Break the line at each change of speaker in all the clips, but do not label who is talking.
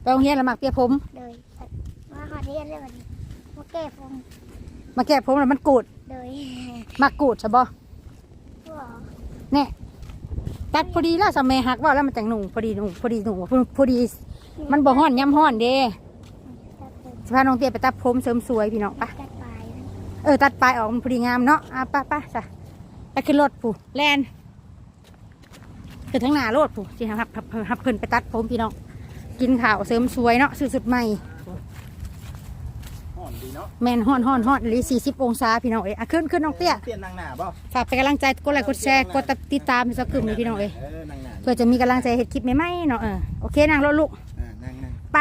โรงเรียนละหมักเปียผม
เลยมาหอเรียนเลยวันนี้มาแก้ผม
มาแก้ผมแล้วมันกูด
เลย
มากูดใช่บ่
ว้า
เนี่ยตัดพอดีแล้วสมัยหักว่าแล้วมันจังหนุ่งพอดีหนุ่งพอดีมันบ่ฮ้อนย้ำฮ้อนเด้สิพาน้องเตี้ยไปตัดผมเสริมสวยพี่น้องปะ
ตัดปลาย
ตัดปลายออกมันพอดีงามเนาะป้าจ้ะไปขึ้นรถผู้แลนคือทั้งหน้ารถผู้สิหับเพิ่นไปตัดผมพี่น้องกินข้าวเสริมสวยเนาะสุดใหม่แมนฮ้อนหรือ40 องศาพี่น้องขึ้นน้องเตี้ย
เตี้ยนั่งหน้าบ่
ฝากเป็นกำลังใจกดไลค์กดแชร์กดติดตามให้สักกึ่มเลยพี่น้องเพื่อจะมีกำลังใจเห็ดคลิปใหม่ๆเนาะโอเคนั่งรถลูก
นั่ง
ไป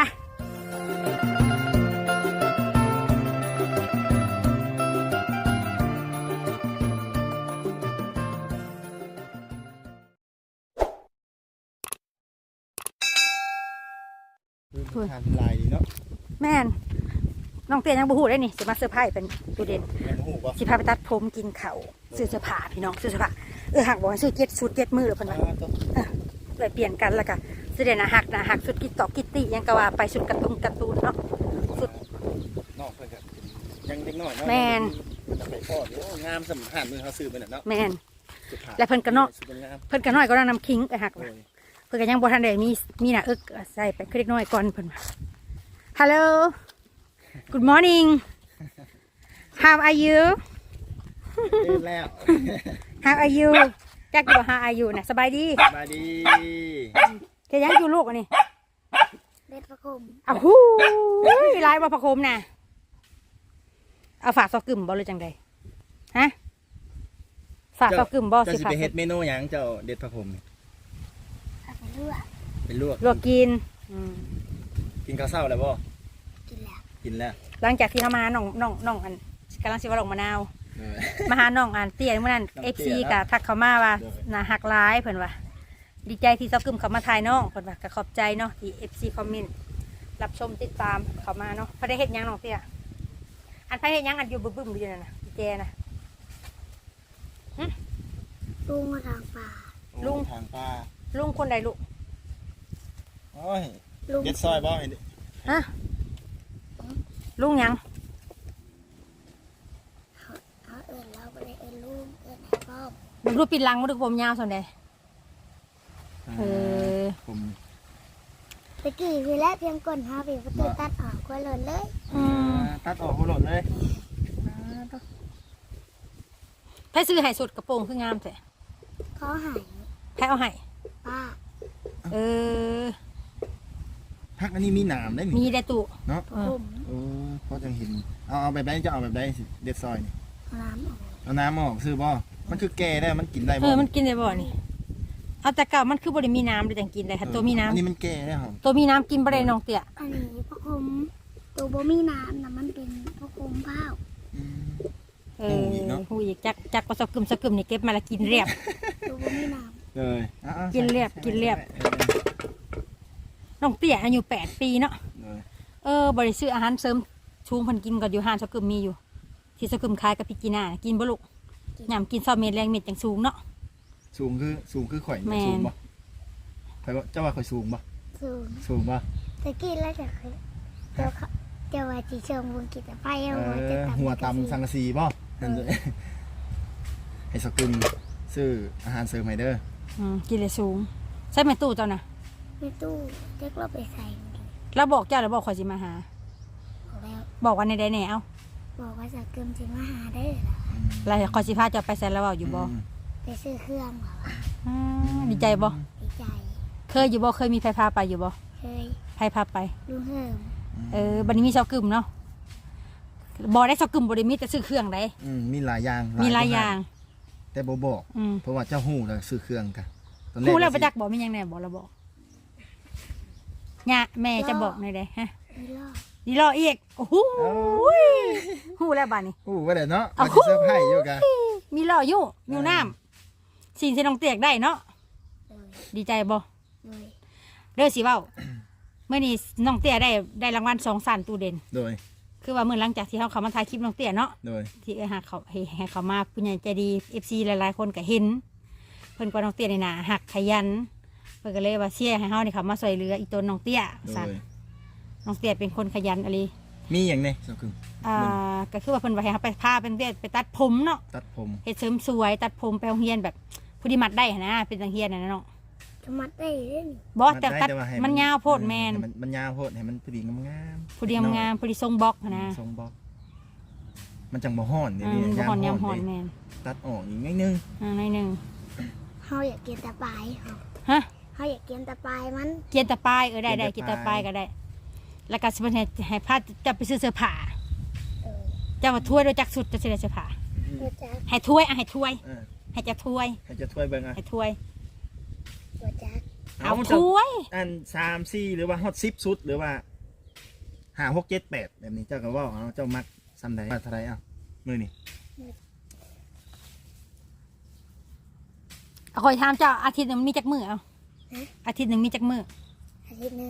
ทานลายดีเนาะ
แม่นน้องเตี้ยยังบูฮูได้นี่สิมาเซอร์ไพรส์เป็นตัวเด่นสิพาไปตัดผมกินข้าวซื้อเสื้อผ้าพี่น้องซื้อเสื้อผ้าหักบอกให้ซื้อ7 มือหรือเปล่าเลยเปลี่ยนกันแล้วกันสุดเด่นหักสุดกิตตอกกิตตี้ยังกะว่าไปสุดการ์ตูนเนาะสุด
นอกเพื่อนกันยังเด็กน้อยเนาะ
แมน
จะไปพ่อเดี๋ยวงามสำคัญมือเขาซื้อไปเนาะ
แมนและเพิ่นกันน้อยก็น้ำคิงไปหักเพิ่นกันยังบ่ทันได้มีหน้าใส่ไปคือเล็กน้อยก่อนเพิ่นHello Good morning How are you
แล้ว
How are you จักอยู่ How are you นะสบายดีแกยังอยู่ลูกอันนี้
เล็ดประคม
อ้าวหูลายว่าประคมน่ะเอาฝากซอกกึ่มบ่เลยจังใดฮะฝากซอกกึ่มบ่สิฝาก
จะเฮ็ดเมนูหยังเจ้าเด็ดพระพรหมเป็นลวก
กิน
กินข้าวเช้าแล้วบ่กินแล้ว
หลังจากที่เขามาน้องอันกำลังสิว่าลงมะนาวมาหาน้องอันเตี้ยเมื่อนั้น FC กับทักเขามาว่าน่าหักร้ายเพิ่นว่าดีใจที่ซอกกึ่มเขามาถ่ายน้องเพิ่นว่าก็ขอบใจเนาะที่ FC คอมเมนต์รับชมติดตามเขามาเนาะเพิ่นได้เฮ็ดหยังน้องเตี้ยอันเพิ่นเฮ็ดหยังอันอยู่บึ้มอยู่นั่นน่ะดีแจนะ
ลุงมาทางป่า
ลุงคนใดลูก
โอ้ยเด็ดซอยบ่เห็น
ฮะลุงยัง
เราไปลุงพ่อ
มึงรูปปิดลังมาดูผมยาวส่วนใด
ผม
ตะกี้วีแล้วเพียงก่อนหาไปประตูตัดออกก็หล่นเลย
ตัดออกก็หล่นเลย
ไพ่ซื้อไห่สดกระโปรงคืองามแท้
เขาหาย
ไพ่เอาไห่
ป้า
พักอันนี้มีหนามได้
มีได้ตุ
เนาะเพราะจังเห็นเอาแบบไหนจะเอาแบบไหนเด็ดซอยนี่เอาน้ำออกซื้อบ่มันคือแก่ได้มันกินได้บ่
มันกินได้บ่นี่เอาแต่เก่ามันคือบริมีน้ำเลยจังกินได้ค่ะตัวมีน้ำ
อันนี้มันแก่ได้หรอ
ตัวมีน้ำกินบริน้องเตี้ย
อันนี้พระคมตัวบ่มีน้ำนะมันเป็นพระคมเผา
หูอีกจักก็สกึมนี่เก็บมาแล้วกินเรียบ
ตัวบ่มีน้ำ
เลย
กินเรียบน้องเตี้ยอายุ8 ปีเนาะบริซื้ออาหารเสริมชูงพันกินกับอยู่ห้านสกึมมีอยู่ที่สกึมคายกับพี่กีน่ากินบ่ลูกยำกินซอเม็ดแรงเม็ดจังสูงเนาะ
สูงคือข่อยสูงบ่ข่อยเจ้าว่าข่อยสูงบ่สูงบ่
ตะกี้แล้วจะว่าจีเชิงวงกิจไฟ
หัวตำสังกะสีบ่ให้สกึมซื้ออาหารเสริมไฮเดอร์
กินเลยสูงใช่ไหมตู้เจ้านะ
ไม่ตู้เด็กเราไปใส่
แล้วบอกเจ้าหรือบอกขอจิมาหาบอกวันในใดแนว
บอกว่าจะเกิมจิมาหาได้
แล้วขอจิพาเจ้าไปใส่แล้วบอกอยู่บ่
ไปซื้อเครื่องหรอ
ดีใจบ่
ดีใจ
เคยอยู่บ่เคยมีไฟพาไปอยู่บ่
เคย
ไฟพาไป
ลุงเฮิม
บันนี้มีเสากึ่มเนาะบ่ได้เสากึ่มบ่ได้มีแต่ซื้อเครื่องได้
มีหลายอย่างแต่บ่บอกเพราะว่าเจ้าหู้แล้วซื้อเครื่องกัน
หู้แล้วประจักษ์บอกมียังไงบอกเราบอกเนี่ยแม่จะบอกในใดฮะดีรออีกโอ้โหหู้แล้วบ้านนี้
หู้ว่าเด็ดเนาะมาจะเซอร์ไพรส์อยู่กัน
มีรออยู่น้ำสิ่งที่น้องเตียกได้เนาะดีใจบ่เด้อสิเว้าเมื่อนี้น้องเตี้ยได้รางวัล2 สันตูเด่น
โดย
คือว่าเมื่อหลังจากที่เขามาถ่ายคลิปน้องเตี้ยเนาะ
โดย
ที่หักเขาให้เขามาผู้ใหญ่ใจดี FC หลายๆคนก็เห็นเพิ่นก็น้องเตี้ยในหน้าหักขยันเพิ่นก็เลยว่าเชียร์ให้เฮานี่เขามาช่วยเหลืออีต้นน้องเตี้ยสั่นน้องเตี้ยเป็นคนขยันอะไร
มีอย่างนี้สาวกึ่ง
ก็คือว่าเพิ่นว่าให้เฮาไปพาเป็นเตี้ยไปตัดผมเนาะ
ตัดผม
เฮ็ดเสริมสวยตัดผมไปโรงเรียนแบบผู้ที่มัดได้หั้นนะเป็นจังเฮียนน่ะนะเนาะ
จะมัดได้เล่น
บ่แต่ตัด
ว่าให้
มันยาวโพดแม่น
ให้มันยาวโพดให้มันพอดีงาม
ผู้เดียมงามผู้ที่ทรงบล็อกหั้นนะ
ทรงบล็อกมันจังบ่ฮ้อนเดี๋ยวนี้
บ่ฮอนยามฮอน
เด้
แม่น
ตัดออกอีกนิดนึง
หน่อยหนึง
เฮาอยากกินตะปายเฮา
ฮะ
เฮาอยากกินตะปายมัน
เกียนตะปายได้เกียนตะปายก็ได้ แล้วก็สิเพิ่นให้พาจะไปซื้อเสื้อผ้า เจ้ามาถ้วยโดยจักสุดจะสิได้เสื้อผ้า
บ่จัก
ให้ถ้วยให้ถ้วย
เออ
ให้จะถ้วย
ให้จะถ้วยเบิ่งอ่ะ
ให้ถ้วย
บ่จัก
เอาถ้วย
อัน3 4หรือว่าฮอต10สุดหรือว่า5 6 7 8แบบนี้เจ้าก็เว้าเอาเจ้ามักซ้ำใดว่าเท่าไหร่มื้อนี้
คอยถามเจ้าอาทิตย์หนึงมีจักมื้อเอาอาทิตย์หนึงมีจักมื้อ
อาทิตย์หนึง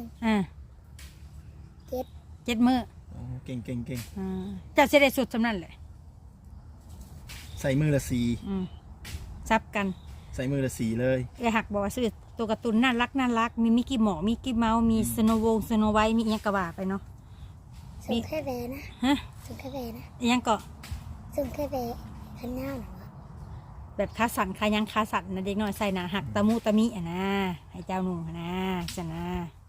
7 มื้อ
โอ้เก่ง
เจ้าสิได้สุดสำนั้นแหละ
ใส่มือละสี
ซับกัน
ใส่มือละสีเลย
หักบอกว่าซื้อตัวการ์ตูนน่ารักมีมิกกี้หมอมิกกี้เมาส์มีสโนว์วงสโนไวท์มีอีหยังกะว่าไปเนาะ
ส่งแค่แวนะ
ฮะ
ส่งแค่แวนะ
อีหยังก็
ส่งแค่แวคันหน้าหนูอะ
แบบขาสั่นขายังขาสั่นนะเด็กน้อยใส่หนาหักตะมุตะมิอ่ะนะให้เจ้าหนุ่มอ่ะนะจะนะ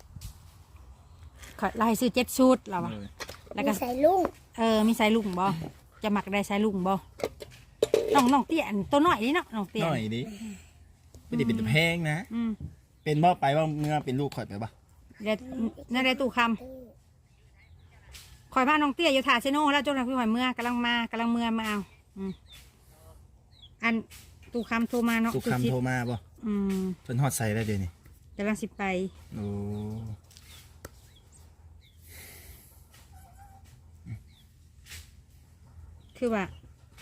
ขอไล่ซื้อ7 ชุดเราอะแล้วก็
มีใส่ลุง
มีสายลุงบ่จะหมักได้สายลุงบ่น้องเตี้ยอันตัวน้อยนี่เนาะน้องเตี้ย
หน่อยดิไม่ได้เป็นตะแพงนะ
อืม
เป็นบ่ไปว่าเมื่อเป็นลูกข่อยไปบ่
เดี๋ยวนั่นได้ตู้คำคอยมาน้องเตี้ยอยู่ถาเซโน่แล้วจนพี่หอยเมื่อกำลังมามาเอาอันตู้คำโทรมาเนาะ
สุกคำโทรมาบ่
อืม
เพิ่นฮอดใส่แล้วเดี๋ยวนี้
กำลังสิไป
โอ้
คือว่า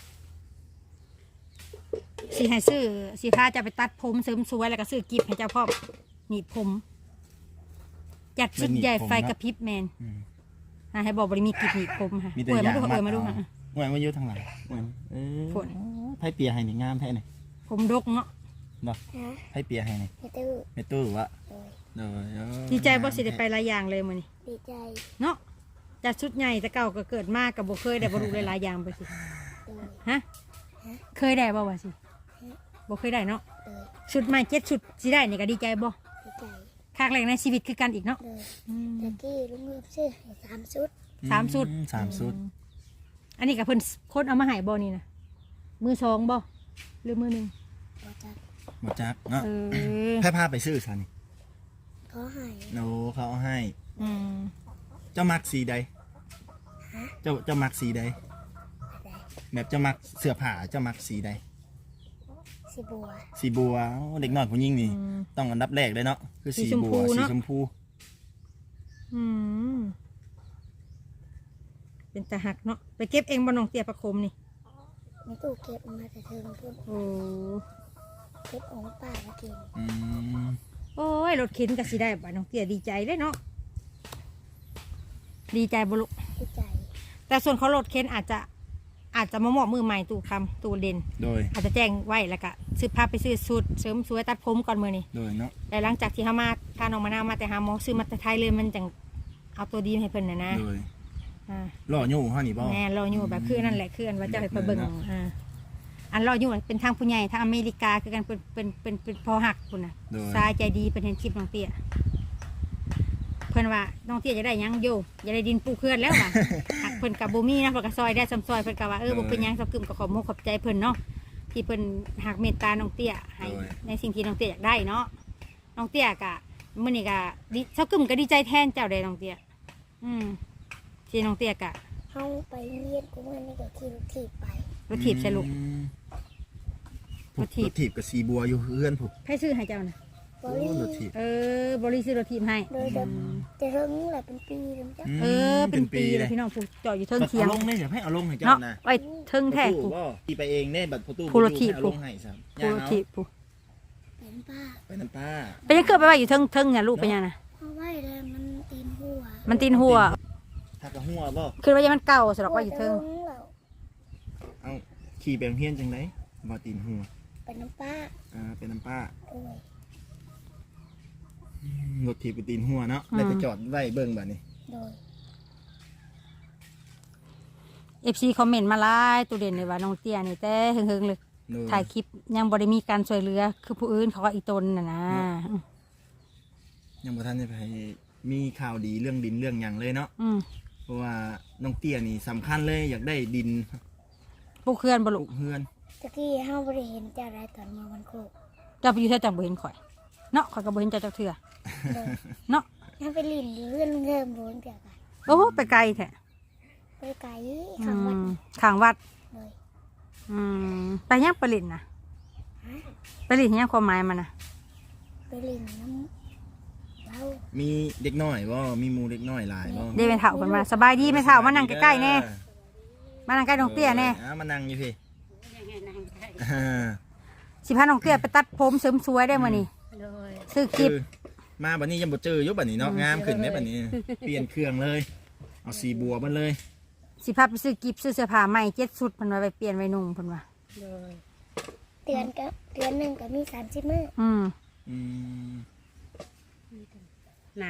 สีให้ซื้อสีพาจะไปตัดผมเสริมสวยแล้วก็ซื้อกิฟต์ให้เจ้าพ่อหนีบผมจัดชุดใหญ่ไฟกระพริบแมน
อืม
ให้บอกบริมีกิฟต์หนีบผมค่ะ
มีแต่
เปิด
ยา
มาดู
ง
เปิดมาดู
เอา
ค่ะ
หวยมาอยู่ทางหลังหวย
ฝน
ไผเปียให้นี่งามแท้นี่
ผมดกเนาะ
บ่
ฮะ
ไผเปียให้นี่
ไม่ตื้อ
แม่ตู้วะ
โดย
เด้อ
ดีใจบ่สิได้ไปหลายอย่างเลยมื้อนี้
ดีใจ
เนาะจัดชุดใหญ่แต่เก่าก็เกิดมากกับบ่เคยได้บ่รู้หลายๆอย่างไปสิ
โดย
ฮะเคยได้บ่วะสิบ่เคยได้เนาะ
โดย
ชุดใหม่7 ชุดสิได้นี่ก็ดีใจบ่
ดีใจ
ครั้งแรกในชีวิตคือกันอีกเนาะ
โดย
อืม
ตะกี้ลุงเลือกซื้อให้3 ชุด
3 ชุด
3ชุด
อันนี้กับเพิ่นคนเอามาให้บ่นี่นะมือสองบ่หรือมือหนึ่ง
บ่จัก
บ่จักเนาะ
อ
ไผพาไปซื้อซะนี่
ขอให้
โอ้เขาเอาให้
อืม
เจ้ามักสีใด
ฮะ
เจ้ามักสีใด
อะไร
แบบเจ้ามักเสื้อผ้าเจ้ามักสีใด
สิบัว
สีบัวเด็กน้อยผู้หญิงนี่
อืม
ต้องอันดับแรกเลยเนาะคือสีบัว
สี
สี
ช
ช
ม
ม
พู
พู
เนาะ อืมเป็นตาหักเนาะไปเก็บเองบ่น้องเตี้ยประคมนี่
ในตู้เก็บมาแต่เทิงพุ่น
โอ้
เก็บของป้ามากิน
อืม
โอ้ยรถเข็นก็สิได้บ่น้องเตี้ยดีใจเด้เนาะดีใจบ่ลูก
ดีใจ
แต่ส่วนเขารถเข็นอาจจะมามอบมือใหม่ตู้คำตู้เด่น
โดย
อาจจะแจ้งไว้แล้วก็ซื้อผ้าไปซื้อสูตรเสริมสวยตัดผมก่อนมื้อนี้
โดยเนาะ
แต่หลังจากที่เขามาพาน้องมะนาวมาแต่หาหมอซื้อมาแต่ไทยเลยมันจังเอาตัวดีให้เพิ่นนะ
โดย
อ่า
ล่ออยู่เฮานี่บ่
แม่รออยู่แบบคือนั่นแหละคืออันว่าเจะให้ไปเบิ่ง
เนาะ
อันรออยู่เป็นทางผู้ใหญ่ทางอเมริกาคือกันเป็นพอหักคุณน่ะ
โดย
สายใจดีเป็นเห็นคลิปน้องเตี้ยเพิ่นว่าน้องเตี้ยจะได้หยังโยจะได้ดินปูเคลื่อนแล้ว ว่ะ หักเพิ่นกับบ่มีนะเพิ่นก็ซอยได้ซ้ำซอยเพิ่นก็ว่าบ่เป็นหยังสักกึมก็ขอมกขอบใจเพิ่นเนาะที่เพิ่นหักเมตตาน้องเตี้ยให้ในสิ่งที่น้องเตี้ยอยากได้เนาะน้องเตี้ยก็มื้อนี้ก็ดีสักกึมก็ดีใจแทนเจ้าได้น้องเตี้ยที่น้องเตี้ยก็
เฮาไปเรียนกูมันนี่ก็ขี่รถถีบไป
รถถีบใส่ลูก
อืม
รถถีบ
รถถีบกับสีบัวอยู่เฮือนผม
ให้ซื้อให้เจ้านะ
บ
โอ้
ริ
รถถีบ
บริซื้อรถถีบให้
โดยแบบจะเริ่มแหละเป็นปีแล้วจ้ะ
เป็นปี
เล
เลย ยพี่น้องผู้จอดอยู่เทิงเทียง
เอาลงเนี่ยอย่าให้เอาลงให้เจ้า
เนาะ
นะ
ไว้เทิงแท้
ผู้
ผู้
บ่ขี่ไปเองเนี่ยบัดประตู
ผู้รถถีบ
ให้เอาลงให้ซ้ำ
ผู้รถถีบผู้
เป็นป้า
ไปน้ำป้า
ไปยังเกิดไปไว้อยู่เทิงเนี่ยลูกไปยังนะ
เพราะว่าเลยมันตีนหัว
มันตีนหัว
ถ้ากระหัวบ่
คือว่ายังมันเก่าสำหรับว่าอยู่เทิง
แล้ว
เอาขี่ไปโรงเรียนจังไดบ่ตีนหัว
เป็นน้ำป้า
เป็นน้ำป้า
โอ้ย
รถถีบไปตีนหัวเนาะแล้วไปจอดไว้เบิ่งบัดนี้
โดย
FC คอมเมนต์มาหลายตัวเด่นเลยว่าน้องเตี้ยนี่แต่เฮิงๆเลย
โดย
ถ่ายคลิปยังบ่ได้มีการช่วยเหลือคือผู้อื่นเขาก็อีตนน่ะนะ
ยังบ่ทันได้ไปมีข่าวดีเรื่องดินเรื่องหยังเลยเนาะ
อืม
เพราะว่าน้องเตี้ยนี่สำคัญเลยอยากได้ดิน
ปลูกเขื่อนบ่
ป
ลู
ลู
ก
กเฮือน
ตะกี้เฮาบ่ได้เห็นเจ้าได้ตอนมาวันโคก
เจ้าไปอยู่แท้จังบ่เห็นข่อยเนาะข่อยก็บ่เห็นเจ้าจักเทื่อ
เลย
เนาะ
ยังไปลิ้นอยู่เรื่องเริ่มบ่เกี่ยวกัน
โอ้โหไปไกลแท้
ไปไกล
อื
ข้างวัด
มข้างวัด
เลย
อืมไปยังไปลินน่ะ
ฮะ
ไปลินยังความหมายมันน่ะ
ไปลิ้นน้ำเรา
มีเด็กน้อยบ่มีหมู่เด็กน้อยหลายบ่
เด้แม่เฒ่าเพิ่นว่าสบายดีแม่เฒ่ามานั่งใกล้ๆแน่มานั่งใกล้น้องเตี้ยแน่
มานั่งอยู่พี่
สิพาน้องเตี้ยไปตัดผมเสริมสวยได้มื้อนี้ซื้อคลิป
คือมาบัดนี้ยังบ่เจออยู่บัดนี้เนาะงามขึ้นได้บัดนี้ เปลี่ยนเครื่องเลยเอาสีบัวมันเลย
สิพาไปซื้อกิฟซื้อเสื้อผ้าใหม่7ชุดเพิ่นว่าไปเปลี่ยนไว้นุ่งเพิ่นว่า
เดือนหนึงก็มี30มื้อ
อืม
อืม
นาน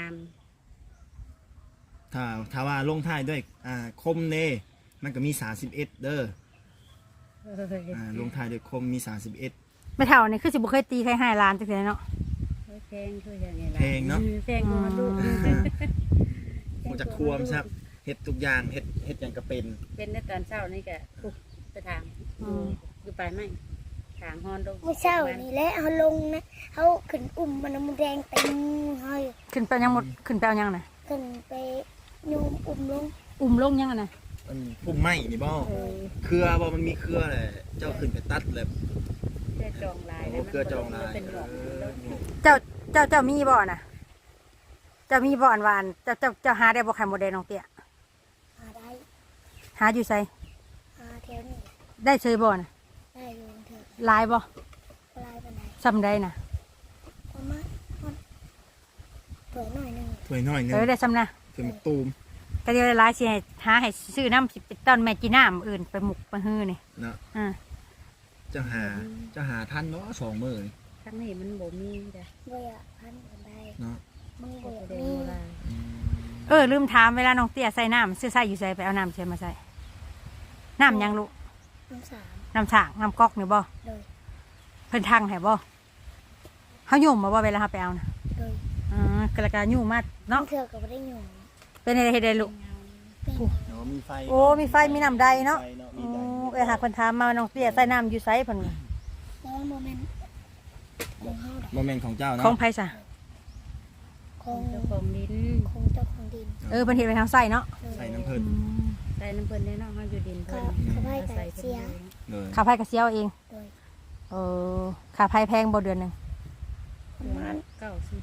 ถ้าว่าลงท้ายด้วยคมเน่มันก็มี31เด้อลงท้ายด้วยคมมี31
แม่เฒ่านี่คือสิบ่เคยตีใครให้ล้านจักเทื่อเนาะ
แพงคืออย่างนี้
เพลงเนาะ
แพงกว่าลูก
ผมจะควมครับเฮ็ดทุกอย่างเฮ็ดอย่างก็เป็น
เป็นในตอนเช้านี่ก็ปุ๊บไปทางอยู่ไปไหมทางฮอนลง
เมื่อเช้านี่แหละเฮาลงนะเฮาขึ้นอุ้มมันน้ำมันแดงเต็มเฮาอยู่
ขึ้นไปยังหมดขึ้นไปเอายังน่ะ
ขึ้นไปโยมอุ้มลง
อุ้มลงยังอะน่ะ
มันพุ่มไม้นี่บ่เครือบ่มันมีเครือแหละเจ้าขึ้นไปตัดเลย
เพื่อจองลาย
โอ้เครือจองลาย
เป็นหลอก
เจ้ามีบ่น่ะเจ้ามีบ่อันวานเจ้าหาได้บ่ไข่มดแดงน้องเตี้ย
หาได้
หาอยู่ไส
หาแถวนี้
ได้เชยบ่น่ะ
ได้อยู่เถอะ
หลายบ่
ลายปานใด
ซ้ำได้น่ะ
ประมาณเปิดหน่อยหนึง
ถ้วยน้อยหนึง
ได้ซ้ำนะ
ถ้วยมะตูม
ก็เดี๋ยวหลายสิให้หาให้ซื้อน้ำสิไปต้นแม่จีน้ำอื่นไปหมุกไปฮื้อนี่
เนาะ
อ่า
เจ้าหาทันเนาะ2มื้อนี่
ทั้งนี้มันบ่มีจ้ะ
บ่อยากพันปานใด
เนาะ
มึงบ่อยาก
แดง
มี
โบราณ
ลืมถามเวลาน้องเตี้ยใส่น้ำซื้อใส่อยู่ใส่ไปเอาน้ำเชยมาใส่น้ำยังลูก
น้ำสาม
น้ำฉางน้ำก๊อกนี่บ่
เลย
เพิ่นทังให้บ่เฮายุ่มมาบ่เวลาเฮาไปเอาน่ะ
เลย
กระกายุ่มมาเนาะ
เถื่อก็บ่ได้หยุ่ง
เป็นอะไรเฮ็ดได้ลูก
เป็น
เนาะมีไฟ
โอ้มีไฟมีน้ำใดเนาะ
ไฟเนาะ
โอ้
มีได
หาเพิ่นถามมาว่าน้องเตี้ยใส่น้ำอยู่ไสเพิ่นว่า
แล้วโมเมนต์ของเฮาดอก
บ่แม่นของเจ้า
ขอ
เนาะ
งไผซะ
ของ
เจ้าของดิน
ของเจ้าของดิน
เพิ่นเฮ็ดไว้ทางไส้เนาะ
ใส่น้ำเพิ่น
ใส่น้ำเพิ่นแน่นอนเขาอยู่ดินเพิ่น
เขาให้
ใส่
ไก่
เพิ่น
เสีย
เลย
ค่าไฟก็เสียเอาเอง
โดย
ค่าไฟแพงบ่เดือนหนึง
ประมาณ
เก้าสิ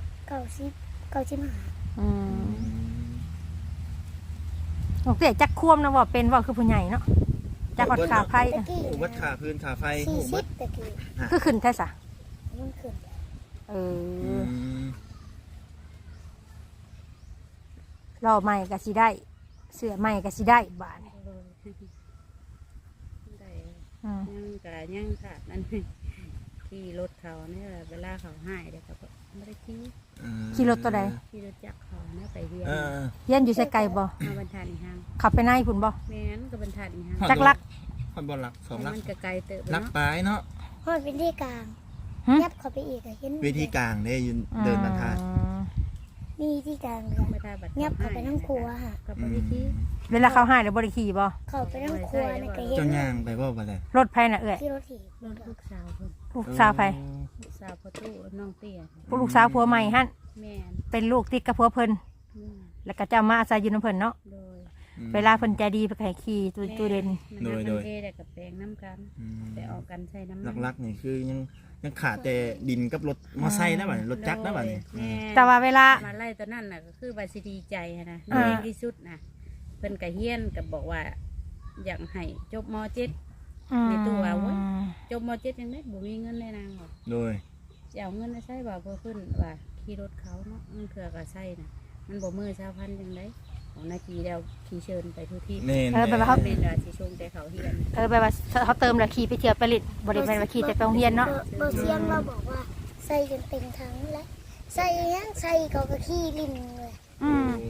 95
อืมน้องเตี้ยจักควมนะว่าเป็นว่าคือผู้ใหญ่เนาะจักวัดค่าไฟ
ตะกี้
หูวัดค่าพื้นค่าไฟหูวัด
40ตะกี้
คือขึ้นแท้ซะ
มันขึ้น
ม
รอใหม่ก็สิได้ เสื้อใหม่ก็สิได้บาดนี้
ได้
อืม
ยังกะยังขาดนั่นขี่รถเขาเนี่ยเวลาเขาหายเดี๋ยวเขาก็ไม่ได้ขี่
ขี่รถตัวใด
ขี่รถจักรเขาเนี่ยไปเรียน
เออ
เรียนอยู่ไสไกลบ่
มาบรรทัดอีกห้าง
ขับไปในพุ่นบ่
แม่นก็บรรทัดอีกห้าง
จักรัก
คนบ่รัก2ลัก
มันก็ไกลเติบ
ลัก
เนาะ
ปลายเนาะ
ฮอดเป็นที่กลาง
หึ
ยับเข้าไปอีกก็เห็น
เวทีกลางเด้ยืนเดินบรรทัด
มีที่กลางเลย
ไม่ได้บัตร
ยับเข้าไปทั้งครัวค่ะ
กับบ่ได้ขี่
เวลาเขาหายแล้วบ่ได้ขี่บ่
เข้าไปทั้งครัวนี่ก็เห็
เจ้าน ย่างไปบ่บัดนี้
รถไผน่ะเอ้ย
ที่รถถีบ
รถลูกสาวเพิ่น
ลูกสาวไผ
ลูกสาวพ่อตู้น้องเตี้ย
ผู้ลูกสาวผัวใหม่หั่น
แม่น
เป็นลูกติดกับผัวเพิ่น
อืม
แล้วก็จะมาอาศัยอยู่นำเพิ่นเนาะ
โดย
เวลาเพิ่นใจดีไปให้ขี่ตู้เด่น
มันทำเทแต่กับแปลงน้ำกันแต่ออกกันใช้น้ำ
ลักๆนี่คือยังขาดแต่ดินกับรถมอไซค์นะบัดนี้รถจักรนะบัดนี้
แม่
แต่ว่าเวลา
มาไล่ตัวนั่นน่ะก็คือว่าสิดีใจหั้นนะ
อ่า
น้อยที่สุดนะเพิ่นก็เฮียนก็บอกว่า อยากให้จบม .7 ในตัวเว้ย จบม .7 ยังได้บ่มีเงินได้นางหรอก
โดย
จะเอาเงินมาใช้บ่เพื่อขึ้นว่าขี่รถเขาเนาะมันเถื่อก็ใช้น่ะมันบ่มือ1,000จังได๋ของนาทีแล้วขี่เชิญไปทุกที่
แน่น
แบบว่าเขา
เป็นว่าสิชงแต่เขาเฮียน
แบบว่าเขาเติมแล้วขี่ไปเที่ยวไปลิดบ่ได้แม่นว่าขี่แต่ไปโรงเรียนเนาะ
เบอร์เซียมเราบอกว่าใส่จนเต็มทั้งแล้วใส่ยังใส่ก็ขี้ลิ้นเลย
อืม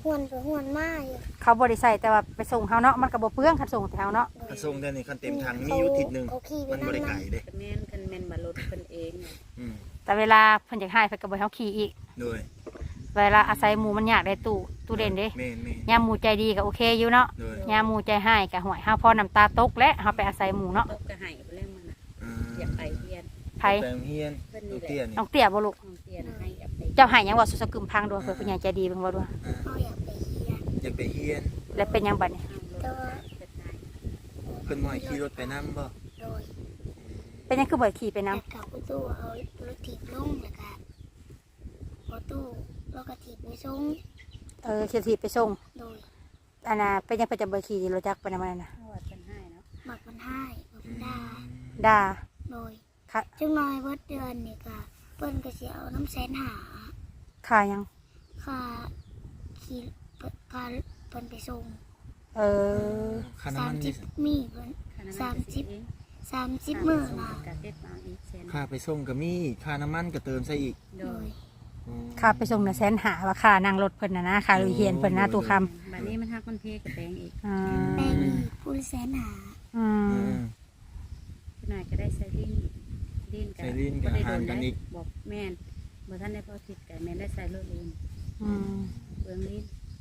หวนไปหวนมาอยู่
เขาบ่ได้ใส่แต่ว่าไปส่งเฮาเนาะมันก็บ่เปลืองคันส่งแต่เฮาเนาะ
กระทรวงเดือนนี้คันเต็มถังมีอยู่ทิศหนึง
เขาขี่ไป
มันบ่ได้
นั่ง
ไกลเด้
คันแม่นบ่รถเพิ่นเองน่ะ
อืม
แต่เวลาเพิ่นอยากให้เพิ่นก็บ่ให้เฮาขี่อีก
โดย
เวลาอาศัยหมู่มันอยากได้ตู้เด่นเด้
แม่น
ยามหมู่ใจดีก็โอเคอยู่เนาะ
โดย
ยามหมู่ใจให้ก็ห่วยเฮาพอน้ำตาตกและเฮาไปอาศัยหมู่เนาะ
ตกก็ให้ไปเรื่องมันน่ะ
อ่า
อยากไปเฮียน
ไผ
ไปโรงเรียนลูกเตี้ยนี่
น้องเตี้ยบ่ลูก
น้องเตี้ยน่ะให้อยากไป
เจ้าให้หยังว่าสุสกึมพังด้วยเพิ่นผู้ใหญ่ใจดีเบิ่งบ่ด้วย
เขาอยากไปเฮียน
อยากไปเรียน
แล้วเป็นหยังบัดนี้
แต่ว่า
เป็นนาย
เพิ่นบ่ให้ขี่รถไปนํบ่
โดย
เป็นหยังคือบ่ขี่ไปนํ
แต่กับประตูเอารถถีบลงแล้วก็ประตูแล้วก็ถีบไปส่ง
ขี่ถีบไปส่ง
โดย
อันน่ะเป็นหยังเพิ่นจะบ่ขี่รถจักรไปนำมันน่ะ
เพราะว่าเป็นให้เนาะ
หมักมันให้หมักมันด่า
ด่า
โดย
ค่ะ
จังน้อยเบิดเดือนนี่ก็เปิ้นก็สิเอาน้ำแสนหา
ค่าหยัง
ค่าขี่ค่าเปิ้นไปส่ง
เออ
ค่าน้ำมันนี่
30มีเพิ่น
ค่าน้ำมันก็สิเอง
30มื้อน่ะ
กะเฮ็ดมาอีกแสน
ค่าไปส่งก็มีค่าน้ำมันก็เติมใส่อีก
โด
โด
ย
ย
อืม
ค่าไปส่งน่ะ150,000ว่าค่านั่งรถเพิ่นน่ะนะค่าลุยเฮียนเพิ่นนะตู้คำ
บัดนี้มันฮักมันเพกับแปลงอีก
อ่า
แป้งอีกผู้ละแสนหา
อื
อื
ม
ม
นายก็ได้ใส่ลิ้นก็
ใส่ลิ้นก็
บ่ได้
หารกันอีก
บอกแม่นบ่ทันได้พอคิดกันแม่นได้ใส่รถลิ้น
อืม
เปลืองลิ้น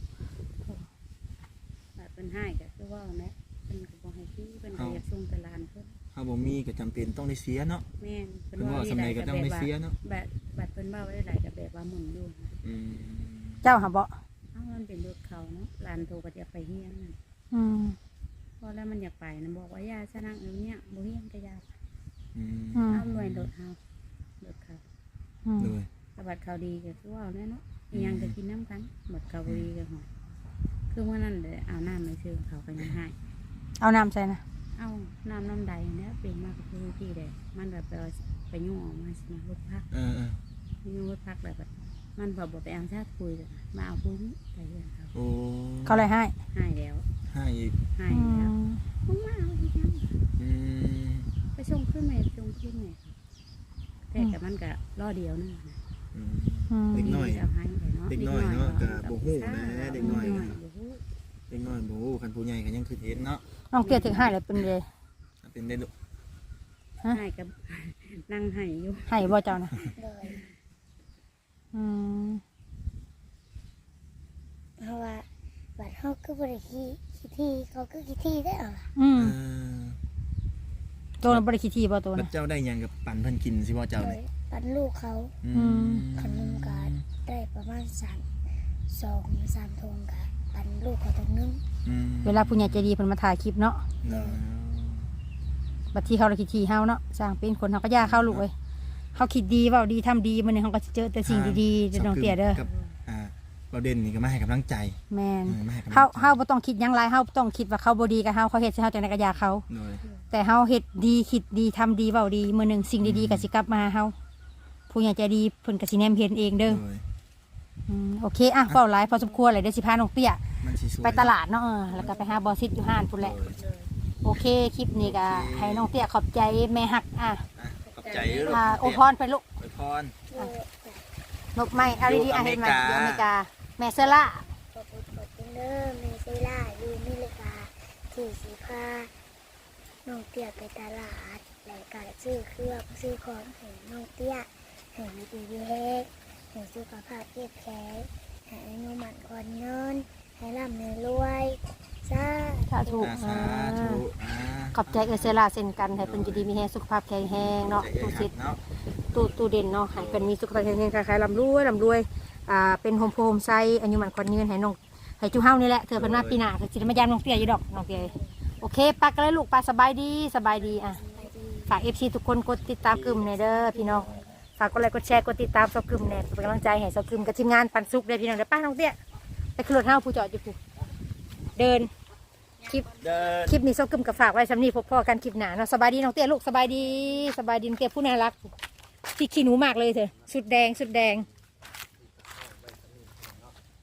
แบบเป็นให้ก็คือว่าแม่เพิ่นก็บ่ให้ขี้เพิ่นก็อยากส่งไปร้านเพิ่น
เฮาบ่มีก็จำเป็นต้องได้เสียเนาะ
แม่น
เพิ่นว่าสำใดก็ต้องได้เสียเนาะ
บัดเพิ่นว่าไว้หลายก็แบบว่าหมุนอยู่นะ
อืม
เจ้าหาบ่
เอ้ามันเป็นรถเขาเนาะร้านโทรก็จะไปเฮียนนั่น
อืม
พอแล้วมันอยากไปนะบอกว่าย่าซะนั่งเนี่ยบ่เฮียนก็ย่า
อืม
อืม
เอาหน่วยรถเฮารถเขา
อืม
โดย
ถ้าบัดเขาดีก็คือว่าเอาแน่เนาะอีหยังก็กินน้ำกันบัดเขาบ่ดีก็หอยคือว่านั่นเด้เอาน้ำไปซื้อเขาก็ยังให้
เอาน้ำใส่นะ
เอาน้ำใดเนี่ยเป็นมากกับพื้นที่เลยมันแบบไปยุ่งออกมาสินะรถพัก
เออ
ยุ่งรถพักแบบมันบอกไปเอาชาติคุยเลยมาเอาพื้นไปเรื่องเขา
โอ้
เขาเลยให้
ให้แล้ว
ให้อีก
ให้
อื
แล้ว
ม
มึงมาเอาอีกยัง
อืม
ไปชงขึ้นไหมชงขึ้นไหมแต่กับมันก็ล่อเดียวนึงนะ
อืม
อืม
เด็กน้อย
เอาให้เลยเนาะ
เด็กน้อยเนาะก็บ่ฮู้นะเด็กน้อย
บ่ฮู้
เด็กน้อยบ่ฮู้คันผู้ใหญ่ก็ยังคิดเห็นเนาะ
น้องเตี้ยถึงให้เลยเป็นเลย
เป็นได้ลูก
ให้กับ นั่งให้อยู่
ให้บ่เจ้านะ
โดย
อืม
เพราะว่าบัดเฮาคือบริขี้ที่เขาคือขี้ที่ได้เหรอ
อืม
เออ
ตัวนั้นบริคิดทีบ่ตัว
แล้ว
นะ
เจ้าได้หยังกับปั่นเพิ่นกินสิบ่เจ้า
โด
นี่
ยปันลูกเขา
อืม
ขนมกาได้ประมาณ3 ทงกะปันลูกเขาตรงนึง
อืม
เวลาผู้ใหญ่ใจดีเพิ่นมาถ่ายคลิปเนาะ
เนาะ
บัดที่เขาเลยคิดทีเฮาเนาะสร้างเป็นคนเฮาก็ย่าเข้าลูกเว้ยเฮาคิดดีเว้าดีทำดีมื้อนี้เฮาก็สิเจอแต่สิ่งดีๆเด้อน้องเตี้ยเด้อ
กับเราเด่นนี่ก็มาให้กำลังใจ
แม่น
มาให้กำลังใจ
เฮาบ่ต้องคิดหยังหลายเฮาต้องคิดว่าเขาบ่ดีกับเฮาเขาเฮ็ดให้เฮาจังได๋ก็อย่าเขา
โดย
แต่เฮาเฮ็ดดีคิดดีทำดีเว้าดีมื้อหนึงสิ่งดีๆก็สิกลับมาหาเฮาผู้ใหญ่ใจดีเพิ่นก็สิแนมเห็นเองเด้อ
โดย
โอเคอ่ะเว้าหลายพอสมควรเลยเดี๋ยวสิพาน้องเตี้ย
มันสิสวย
ไปตลาดเนาะแล้วก็ไปหาบอสซิดอยู่ห้านพุ่นแหละ โอเคคลิปนี้ก็ให้น้องเตี้ยขอบใจแม่ฮัก
ขอบใจเด้อลูก
โอพรไปลูก
อวยพร
นกไม้เอาดีๆเห็นไหมอยู่อเมริกาแม่เซล่า
ขอบคุณเด้อเมซิล่าอยู่อเมริกาที่สีพาน้องเตี้ยไปตลาดและก็ซื้อเครื่องซื้อของให้น้องเตี้ยให้มีดีเล็กให้สุขภาพเข้มแข็งให้อายุมั่นขวัญยืนให้ร่ำให้รวยสา
ถ้าถูก
สาธุ
ขอบใจเซล่าเช่นกันให้เป็นอยู่ดีมีแรงสุขภาพแข็งแรงเนาะตู้ซิด
เนาะ
ตู้เด่นเนาะให้เป็นมีสุขภาพแข็งแรงคล้ายๆลำรวยเป็นโฮมโพมไซอายุหมันควันยืนให้น้องให้จูเฮานี่แหละเธอเป็นมาปีหน้าคือสิได้มายามน้องเตี้ยอยู่ดอกน้องเตี้ยโอเคปักกันเลยลูกปลาสบายดีอ่ะฝาก FC ทุกคนกดติดตามกลุ่มในเด้อพี่น้องฝากกดไลค์กดแชร์กดติดตามซอกกลุ่มแน่เป็นกำลังใจให้ซอกกลุ่มกับทีมงานปันสุกเด้อพี่น้องเด้อป้าน้องเตี้ยไปขึ้นรถเฮาผู้จอดอยู่ผู้เดินคลิปนี้ซอกกลุ่มกับฝากไว้สำนีพบพ่อกันคลิปหน้าเนาะสบายดีน้องเตี้ยลูกสบายดีน้องเตี้ยผู้น่ารักที่ขี้หนูมากเลยเถอะสุดแดง